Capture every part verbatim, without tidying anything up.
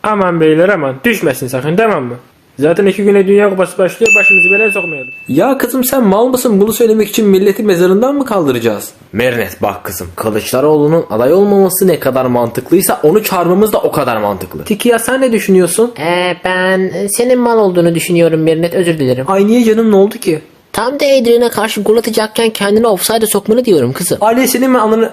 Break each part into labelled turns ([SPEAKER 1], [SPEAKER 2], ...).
[SPEAKER 1] Aman beyler aman düşmesin sakın, tamam mı? Zaten iki güne Dünya Kupası başlıyor, başımızı belaya sokmayalım.
[SPEAKER 2] Ya kızım sen mal mısın, bunu söylemek için milleti mezarından mı kaldıracağız? Mernet bak kızım, Kılıçdaroğlu'nun aday olmaması ne kadar mantıklıysa onu çağırmamız da o kadar mantıklı. Tiki ya sen ne düşünüyorsun?
[SPEAKER 3] Ee, ben senin mal olduğunu düşünüyorum Merinet, özür dilerim.
[SPEAKER 2] Ay niye canım, ne oldu ki?
[SPEAKER 3] Tam da Adrian'a karşı gol atacakken kendini offside'e sokmanı diyorum kızım.
[SPEAKER 2] Ailesinin mi anını...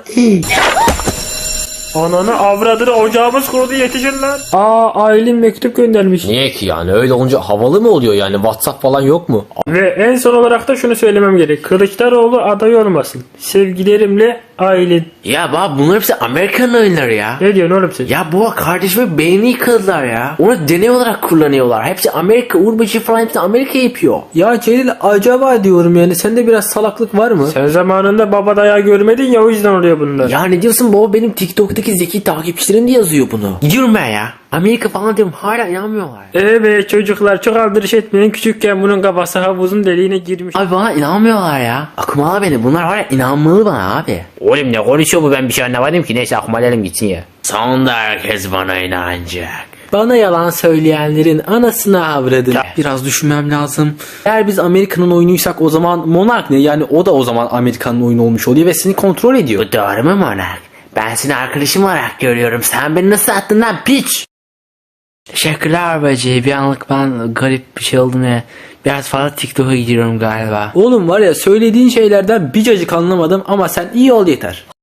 [SPEAKER 1] Ananı avradını, ocağımız kurudu, yetişin lan. Aa, Aylin mektup göndermiş.
[SPEAKER 2] Niye ki yani, öyle olunca havalı mı oluyor yani, WhatsApp falan yok mu?
[SPEAKER 1] Ve en son olarak da şunu söylemem gerek. Kılıçdaroğlu aday olmasın. Sevgilerimle Aylin.
[SPEAKER 2] Ya baba bunlar hepsi Amerikan oyunları ya.
[SPEAKER 1] Ne diyorsun oğlum sen?
[SPEAKER 2] Ya bu kardeşime beynini yıkadılar ya. Onu deney olarak kullanıyorlar. Hepsi Amerika, Uğurbaşı falan hepsi Amerika yapıyor. Ya Celil acaba diyorum yani, sende biraz salaklık var mı?
[SPEAKER 1] Sen zamanında baba dayağı görmedin ya, o yüzden oluyor bunlar.
[SPEAKER 2] Ya ne diyorsun baba, benim TikTok'taki zeki takipçilerim de yazıyor bunu. Gidiyorum ben ya. Amerika falan diyorum, hala inanmıyorlar.
[SPEAKER 1] Evet çocuklar, çok aldırış etmeyin. Küçükken bunun kafası havuzun deliğine girmiş.
[SPEAKER 2] Abi bana inanmıyorlar ya. Akmalı beni, bunlar var ya, inanmalı bana abi.
[SPEAKER 4] Oğlum ne konuşuyor bu, ben bir şey anlamadım ki. Neyse aklıma edelim gitsin ya.
[SPEAKER 2] Sonunda herkes bana inanacak. Bana yalan söyleyenlerin anasını avradın. Biraz düşünmem lazım. Eğer biz Amerika'nın oyunuysak o zaman Monark ne? Yani o da o zaman Amerika'nın oyunu olmuş oluyor ve seni kontrol ediyor.
[SPEAKER 4] Bu doğru mu Monark? Ben seni arkadaşım olarak görüyorum. Sen beni nasıl attın lan piç? Teşekkürler bacı. Bir anlık ben garip bir şey oldum ya. Biraz fazla TikTok'a gidiyorum galiba.
[SPEAKER 2] Oğlum var ya, söylediğin şeylerden bir cacık anlamadım ama sen iyi ol yeter.